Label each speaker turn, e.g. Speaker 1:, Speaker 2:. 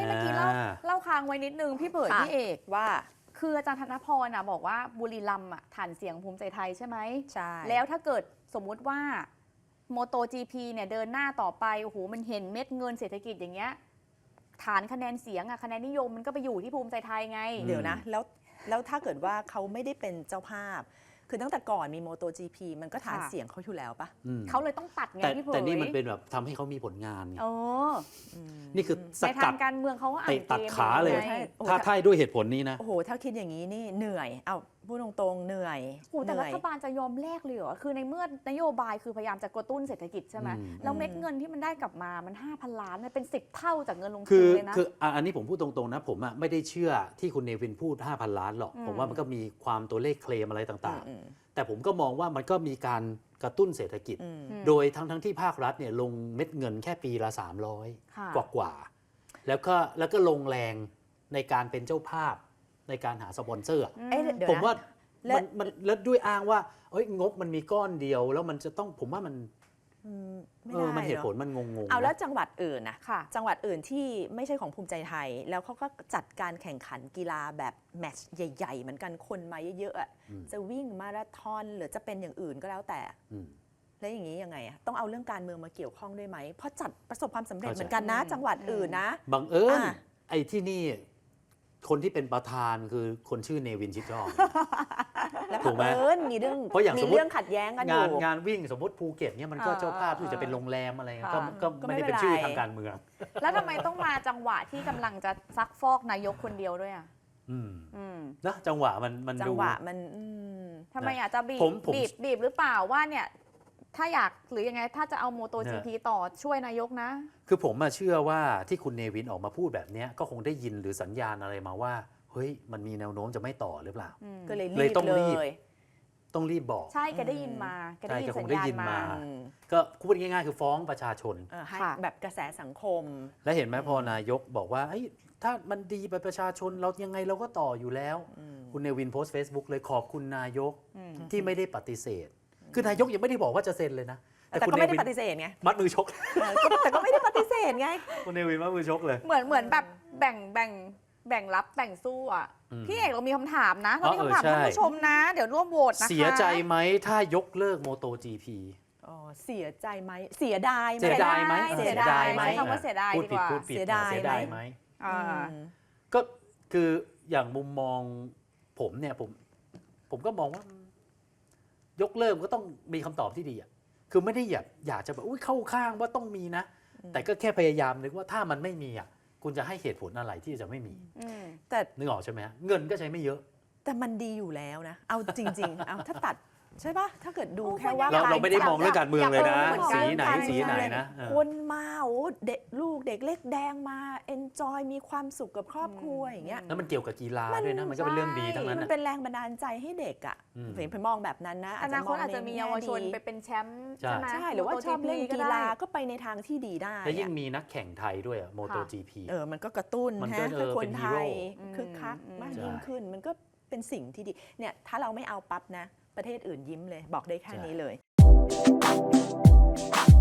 Speaker 1: เมื่อกี้เล่าค้างไว้นิดนึงพี่เบิร์ดพี่เอก
Speaker 2: ว่า
Speaker 1: คืออาจารย์ธนพรบอกว่าบุรีรัมย์ฐานเสียงภูมิใจไทยใช่ไหม
Speaker 2: ใช่
Speaker 1: แล้วถ้าเกิดสมมุติว่าโมโต GP เนี่ยเดินหน้าต่อไปโอ้โหมันเห็นเม็ดเงินเศรษฐกิจอย่างเงี้ยฐานคะแนนเสียงคะแนนนิยมมันก็ไปอยู่ที่ภูมิใจไทยไง
Speaker 2: เดี๋ยวนะแล้วถ้าเกิดว่าเขาไม่ได้เป็นเจ้าภาพคือตั้งแต่ก่อนมีโมโต GP มันก็ฐานเสียงเขาอยู่แล้วปะ
Speaker 1: เขาเลยต้องตัดไงพี่เผย
Speaker 3: แต่นี่มันเป็นแบบทำให้เขามีผลงานนี่คือสกัด
Speaker 1: ในทางการเมืองเขาก็อ่านเกม
Speaker 3: ตัดขาเลยถ้าด้วยเหตุผลนี้นะ
Speaker 2: โอ้โหถ้าคิดอย่างนี้นี่เหนื่อยเอาพูดตรงๆเหนื่อย
Speaker 1: แต่รัฐบาลจะยอมแลกเลยเหรอคือในเมื่อนโยบายคือพยายามจะกระตุ้นเศรษฐกิจใช่ไหมแล้วเม็ดเงินที่มันได้กลับมามัน 5,000 ล้านมันเป็น10 เท่าจากเงินลงทุนเลยนะ
Speaker 3: คืออันนี้ผมพูดตรงๆนะผมไม่ได้เชื่อที่คุณเนวินพูด 5,000 ล้านหรอกผมว่ามันก็มีความตัวเลขเคลมอะไรต่างๆแต่ผมก็มองว่ามันก็มีการกระตุ้นเศรษฐกิจโดยทั้งที่ภาครัฐเนี่ยลงเม็ดเงินแค่ปีละ300กว่าแล้วก็ลงแรงในการเป็นเจ้าภาพในการหาสปอนเซอร์ผมว่ามันแล้วด้วยอ้างว่างบมันมีก้อนเดียวแล้วมันจะต้องผมว่ามันมันเหตุผลมันงงๆ
Speaker 2: เอาแล้วจังหวัดอื่นนะจังหวัดอื่นที่ไม่ใช่ของภูมิใจไทยแล้วเขาก็จัดการแข่งขันกีฬาแบบแมตช์ใหญ่ๆเหมือนกันคนมาเยอะๆจะวิ่งมาราธอนหรือจะเป็นอย่างอื่นก็แล้วแต่แล้วอย่างนี้ยังไงต้องเอาเรื่องการเมืองมาเกี่ยวข้องด้วยไหมเพราะจัดประสบความสำเร็จเหมือนกันนะจังหวัดอื่นนะ
Speaker 3: บังเอิญไอ้ที่นี่คนที่เป็นประธานคือคนชื่อเนวินชิดชอบ
Speaker 2: ถูกไหมมีเรื่องขัดแย้งกันอยู่
Speaker 3: งานวิ่งสมมติภูเก็ตเนี่ยมันก็เจ้าภาพที่จะเป็นโรงแรมอะไรก็ไม่ได้เป็นชื่อทางการเมือง
Speaker 1: แล้วทำไมต้องมาจังหวะที่กำลังจะซักฟอกนายกคนเดียวด้วย
Speaker 3: นะจังหวะมัน
Speaker 2: จังหวะมัน
Speaker 1: ทำไมจะบีบหรือเปล่าว่าเนี่ยถ้าอยากหรือยังไงถ้าจะเอาโมโต GP ต่อช่วยนายกนะ
Speaker 3: คือผมเชื่อว่าที่คุณเนวินออกมาพูดแบบนี้ก็คงได้ยินหรือสัญญาณอะไรมาว่าเฮ้ยมันมีแนวโน้มจะไม่ต่อหรือเปล่า
Speaker 2: ก็เลยต้อง
Speaker 3: รีบบอก
Speaker 1: ใช่แกได้ยินมาแกได้ยินสัญญาณมา
Speaker 3: ก็พูดง่ายๆคือฟ้องประชาชน
Speaker 2: แบบกระแสสังคม
Speaker 3: และเห็นไหมพอนายกบอกว่าถ้ามันดีไปประชาชนเรายังไงเราก็ต่ออยู่แล้วคุณเนวินโพสต์ Facebook เลยขอบคุณนายกที่ไม่ได้ปฏิเสธคือนายกยังไม่ได้บอกว่าจะเซ็นเลยนะ
Speaker 2: แต่ก็ไม่ได้ปฏิเสธไง
Speaker 3: มัดมือชก
Speaker 2: แต่ก็ไม่ได้ปฏิเสธไง
Speaker 3: คุณเนวินมัดมือชกเลย
Speaker 1: เหมือนแบบแบ่งรับแบ่งสู้พี่เอกเรามีคำถามนะเรามีคำถามท่านผู้ชมนะเดี๋ยวร่วมโหวตนะคะ
Speaker 3: เสียใจไหมถ้ายกเลิกโมโต GP
Speaker 2: เสียใจไหมเสียดายไหม
Speaker 3: เสียดายไหม
Speaker 1: คำว่าเสียดายดีกว่า
Speaker 3: เสียดายไหมก็คืออย่างมุมมองผมเนี่ยผมก็มองว่ายกเลิกก็ต้องมีคำตอบที่ดีคือไม่ได้อยากจะแบบเข้าข้างว่าต้องมีนะแต่ก็แค่พยายามนึกว่าถ้ามันไม่มีคุณจะให้เหตุผลอะไรที่จะไม่มีแต่นึกออกใช่ไหมเงินก็ใช้ไม่เยอะ
Speaker 2: แต่มันดีอยู่แล้วนะเอาจริงๆเอาถ้าตัดใช่ปะถ้าเกิดดูแค่ว่า
Speaker 3: เราไม่ได้มองเรื่องการเมืองเลยนะสีไหนนะ
Speaker 2: คนมาเด็กลูกเด็กเล็กแดงมาเอนจอยมีความสุขกับครอบครัวอย่างเงี้ย
Speaker 3: แล้วมันเกี่ยวกับกีฬาด้วยนะมันก็เป็นเรื่องดีทั้งนั้น
Speaker 2: มันเป็นแรงบันดาลใจให้เด็กผมมองแบบนั้นนะ
Speaker 1: อนาคตอาจจะมีเยาวชนไปเป็นแชมป์ใช่ไหม
Speaker 2: ใช่หรือว่าชอบเล่นกีฬาก็ไปในทางที่ดีได้
Speaker 3: และยิ่งมีนักแข่งไทยด้วยโมโต GP
Speaker 2: มันก็กระตุ้นให้คนไทยคึกคักมากยิ่งขึ้นมันก็เป็นสิ่งที่ดีเนี่ยถ้าเราไม่เอาปั๊บนะประเทศอื่นยิ้มเลยบอกได้แค่นี้เลย